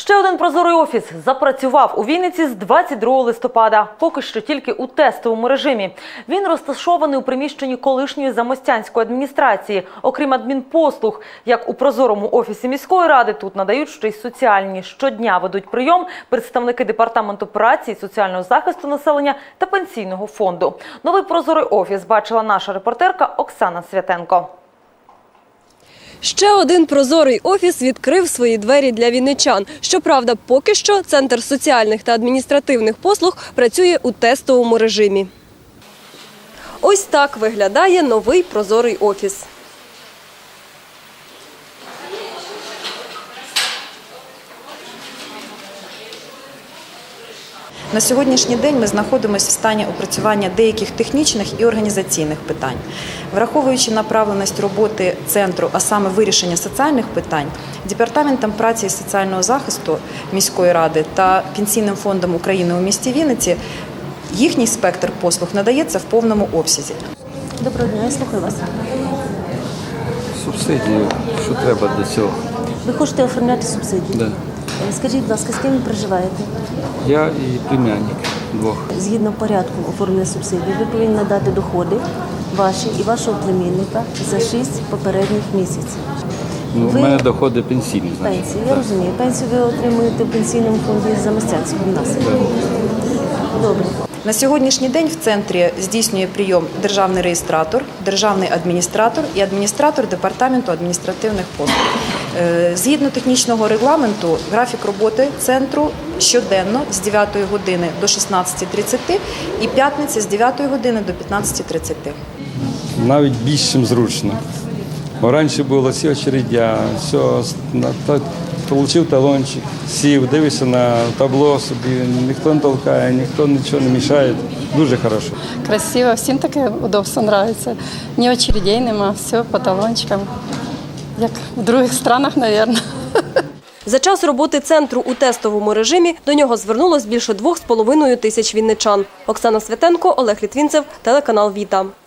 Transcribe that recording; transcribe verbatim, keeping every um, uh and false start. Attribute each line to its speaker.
Speaker 1: Ще один прозорий офіс запрацював у Вінниці з двадцять другого листопада, поки що тільки у тестовому режимі. Він розташований у приміщенні колишньої Замостянської адміністрації. Окрім адмінпослуг, як у прозорому офісі міської ради, тут надають ще й соціальні. Щодня ведуть прийом представники Департаменту праці і соціального захисту населення та Пенсійного фонду. Новий прозорий офіс бачила наша репортерка Оксана Святенко.
Speaker 2: Ще один прозорий офіс відкрив свої двері для вінничан. Щоправда, поки що Центр соціальних та адміністративних послуг працює у тестовому режимі. Ось так виглядає новий прозорий офіс.
Speaker 3: На сьогоднішній день ми знаходимося в стані опрацювання деяких технічних і організаційних питань. Враховуючи направленість роботи центру, а саме вирішення соціальних питань, Департаментом праці і соціального захисту міської ради та Пенсійним фондом України у місті Вінниці їхній спектр послуг надається в повному обсязі.
Speaker 4: Доброго дня, я слухаю вас.
Speaker 5: Субсидію, що треба для цього?
Speaker 4: Ви хочете оформляти субсидію?
Speaker 5: Да.
Speaker 4: Скажіть, будь ласка, з ким ви проживаєте?
Speaker 5: Я і племянник двох.
Speaker 4: Згідно порядку оформлення субсидії, ви повинні надати доходи ваші і вашого племінника за шість попередніх місяців.
Speaker 5: Ну,
Speaker 4: ви...
Speaker 5: У мене доходи пенсійні, значить.
Speaker 4: Пенсію, я
Speaker 5: Так.
Speaker 4: розумію. Пенсію ви отримуєте в Пенсійному фонді Замостянського у нас.
Speaker 5: Так.
Speaker 4: Добре.
Speaker 3: На сьогоднішній день в центрі здійснює прийом державний реєстратор, державний адміністратор і адміністратор Департаменту адміністративних послуг. Згідно технічного регламенту, графік роботи центру щоденно з дев'ятої години до шістнадцятої тридцяти і п'ятниці з дев'ятої години до п'ятнадцятої тридцяти.
Speaker 5: Навіть більш ніж зручно. Бо раніше було всі очередя, все, отримав талончик, сів, дивишся на табло собі, ніхто не толкає, ніхто нічого не мішає. Дуже хорошо.
Speaker 6: Красиво, всім таке удобство подобається. Ні очередей нема, все по талончикам. Як в інших странах, мабуть.
Speaker 2: За час роботи центру у тестовому режимі до нього звернулось більше двох з половиною тисяч вінничан. Оксана Святенко, Олег Літвінцев, телеканал «Віта».